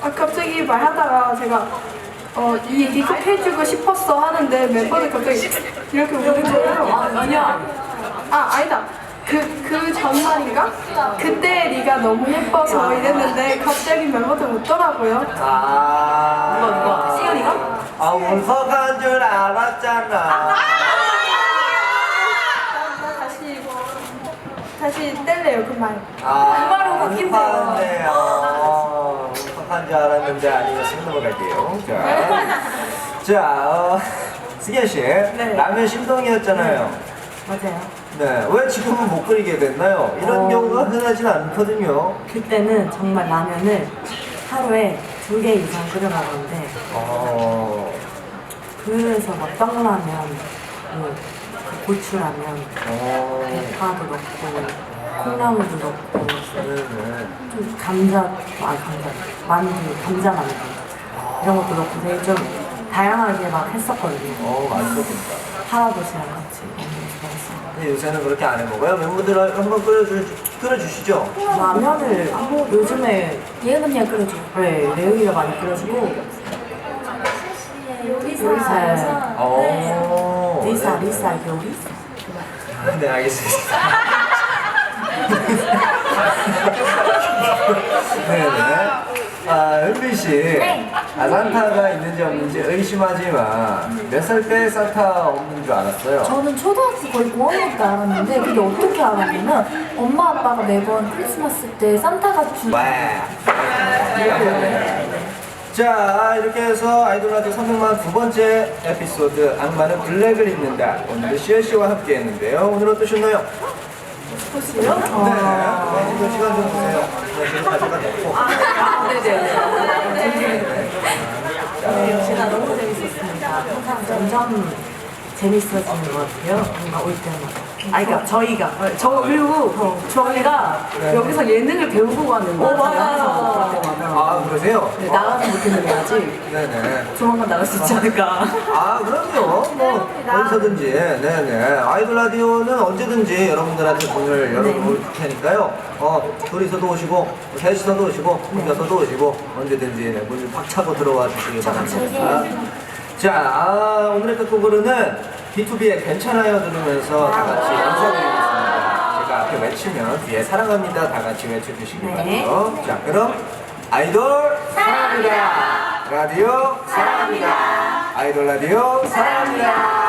갑자기 말하다가 제가 이 얘기 꼭 해주고 싶었어 하는데 멤버들 갑자기 이렇게 오는 거예요. 아니야. 아니다. 그 전날인가? 그때 네가 너무 예뻐서 이랬는데 갑자기 멤버들 웃더라고요. 누가? 시연이가? 울컥한 줄 알았잖아. 나 다시 뗄래요 그 말. 말로 바뀐대요. 울컥한 줄 알았는데 아니었으면 넘어갈게요. 자, 승현 씨, 라면 심동이었잖아요. 맞아요. 네, 왜 지금은 못 끓이게 됐나요? 이런 경우가 흔하진 않거든요. 그때는 정말 라면을 하루에 2개 이상 끓여 먹었는데 그래서 막 떡라면, 뭐 고추라면, 대파도 넣고 콩나물도 넣고 좀 감자 만두 이런 것도 넣고 되게 좀 다양하게 막 했었거든요. 맛있었겠다. 할아버지랑 같이 너무 좋아했어요. 근데 요새는 그렇게 안 해먹어요? 멤버들 한번 끓여주시죠? 라면을 요즘에 예은 언니가 끓여줘. 네, 레은이가 많이 끓여주고 요리사. 리사 요리사. 네, 알겠습니다. 네네. 은비 씨, 산타가 있는지 없는지 의심하지만 몇 살 때 산타 없는 줄 알았어요? 저는 초등학교 거의 5학년 때 알았는데 그게 어떻게 알았냐면 엄마 아빠가 매번 크리스마스 때 산타가 주 자, 이렇게 해서 아이돌 라디오 300만 두 번째 에피소드 악마는 블랙을 입는다. 오늘도 시엘 씨와 함께 했는데요. 오늘 어떠셨나요? 혹시요? 네, 이거 시간 좀 주세요. 지금 가져가 놓고. 네, 제가 너무 재밌었습니다. 항상 점점 재밌어지는 것 같아요. 뭔가 올 때마다. 그러니까 저희가 그리고 저희가 여기서 예능을 배우고 가는 거 같아요. 그럴 때마다. 그러세요? 네, 나가지 못했는데 아직 네네. 조만간 나갈 수 있지 않을까. 그럼요. 뭐, 어디서든지. 네네. 아이돌 라디오는 언제든지 여러분들한테 문을 열어놓을 테니까요. 둘이서도 오시고, 셋이서도 오시고, 혼자서도 오시고, 언제든지 문을 팍 차고 들어와 주시기 바랍니다. 자, 오늘의 끝곡으로는 B2B의 괜찮아요 들으면서 다 같이 인사드리겠습니다. 제가 앞에 외치면 뒤에 사랑합니다 다 같이 외쳐주시기 바라요. 자, 그럼 아이돌 사랑합니다. 라디오 사랑합니다. 아이돌 라디오 사랑합니다.